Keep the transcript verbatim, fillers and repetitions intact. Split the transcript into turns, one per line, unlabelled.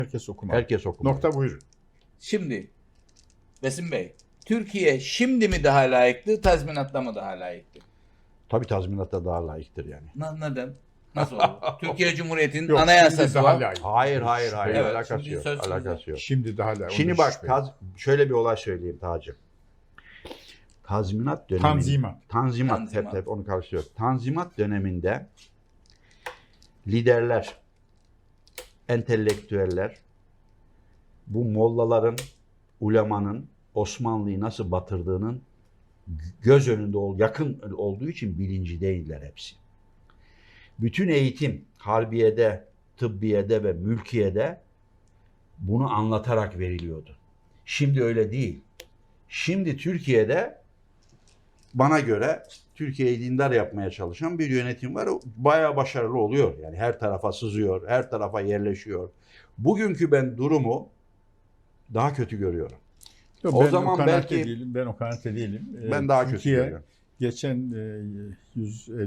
Herkes okumalı.
Herkes okumalı.
Nokta, buyurun.
Şimdi Besim Bey, Türkiye şimdi mi daha layıktı, tazminatla mı daha layıktı?
Tabii tazminatta daha layıktır yani.
Na- Neden? Nasıl olur? Türkiye Cumhuriyeti'nin
Yok, şimdi
anayasası
daha
var.
layık.
Hayır hayır hayır
Evet,
alakası
şimdi
yok.
söz konusu.
Alakası yok.
Şimdi daha layık.
Şimdi
Onu
bak
şüphe yok.
taz, şöyle bir olay söyleyeyim Tacım. Tazminat dönemi.
Tanzimat.
Tanzimat.
Tanzimat.
Hep, hep onu karıştırıyor. Tanzimat döneminde liderler, entelektüeller, bu mollaların, ulemanın Osmanlı'yı nasıl batırdığının göz önünde ol, yakın olduğu için bilinci değiller hepsi. Bütün eğitim harbiyede, tıbbiyede ve mülkiyede bunu anlatarak veriliyordu. Şimdi öyle değil. Şimdi Türkiye'de bana göre Türkiye'yi dindar yapmaya çalışan bir yönetim var. O bayağı başarılı oluyor. Yani her tarafa sızıyor, her tarafa yerleşiyor. Bugünkü ben durumu daha kötü görüyorum.
Yok,
O
ben
zaman
o kanaatte
belki-
değilim. Ben o kanaatte değilim.
Ben
Ee,
daha kötü
Türkiye
görüyorum.
geçen e, yüz